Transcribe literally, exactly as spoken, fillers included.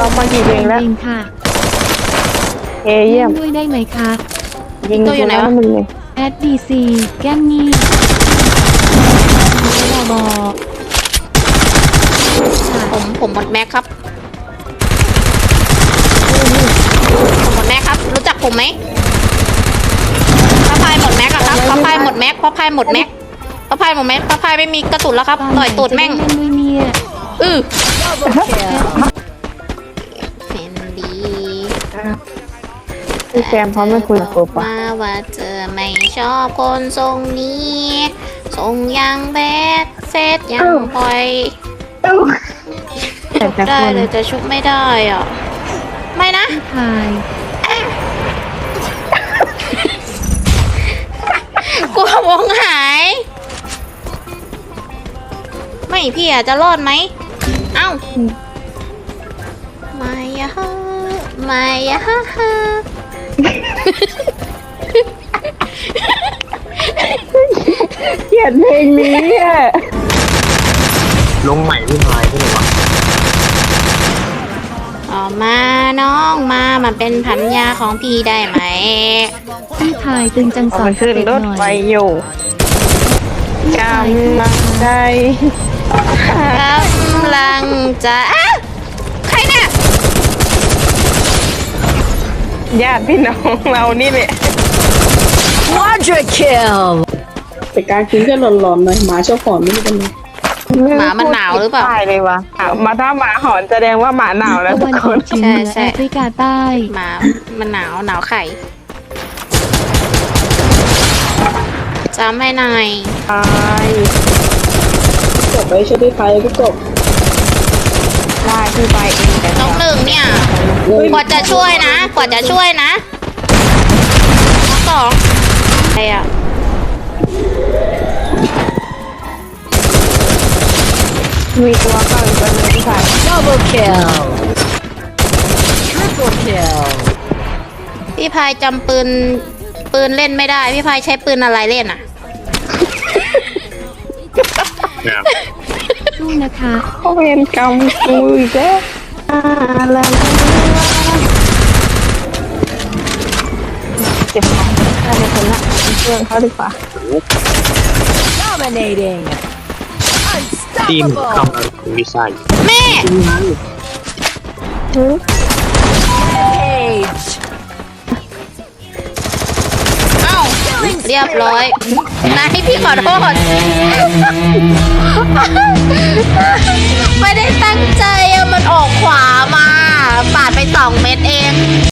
กมากี่เพลงแล้วยิงค่ะเอเยี่ยมด้วยได้ไหมคะยิงตัวอยู่ไหนวะมึงเลยแอดดีซีแก้มงี้บอบอผมผมหมดแม็กครับผมหมดแม็กครับรู้จักผมไหมพระพายหมดแม็กอะครับพระพายหมดแม็กพระพายหมดแม็กพระพายหมดแม็กพระพายไม่มีกระสุนแล้วครับต่อยตูดแม่งเล่นด้วยเนี่ยอือเฟนดีพี่แซมพร้อมไม่คุยกับกูปะมาว่าเธอไม่ชอบคนทรงนี้ทรงยังแบดเซตยังปล่อยแต่จะได้คนเลยแต่ชุบไม่ได้อ่ะไม่นะพี่พายกลัววงหาย ไม่พี่อาจจะรอดไหมเอ้าไม่ยะไม่ยะเกลียดเพลงนี้อ่ะลงใหม่พี่พายใช่ไหมวะออกมาน้องมามันเป็นพันยาของพี่ได้ไหมพี่พายตึงจังเอาสอมัน นขึ้นเด็กรถหน่ไฟอยอยู่กำลังใจกำลังจะอ้าวใครเนี่ยญาติพี่น้องเรานี่แหละ Quadra kill แต่การกินก็หลอนๆหน่อยหมาชอบหอนไม่รู้เป็นไงหมามันหนาวหรือเปล่าใช่เลยวะมาถ้าหมาหอนแสดงว่าหมาหนาวแล้วตะทุวักนคออน กเฉียงเหนือใช่แอฟริกาใต้หมามันหนาวหนาวไข่จำให้หน่อยตายกบไว้ช่วยพี่ไพพี่กบได้พี่ไปเองแต่น้องหนึ่งเนี่ยเฮ้ยกว่าจะช่วยนะ กว่าจะช่วยนะน้องสองใครอ่ะมีตัวเข้าอีกตัวหนึงพี่ชาย double kill triple kill พี่พายจำปืนปืนเล่นไม่ได้ พี่พายใช้ปืนอะไรเล่นอ่ะเนี่ยสู้นะคะเขาเวรกรรมกูอีกแล้วอะไรเจ็บของได้เลยคนละเพื่อนเขาดีกว่า dominating ทีม unstoppable เข้ามาวิสัยแม่ age เอ้าเรียบร้อยนายพี่ขอโทษ ไม่ได้ตั้งใจอะมันออกขวามา ปาดไปสองเม็ดเอง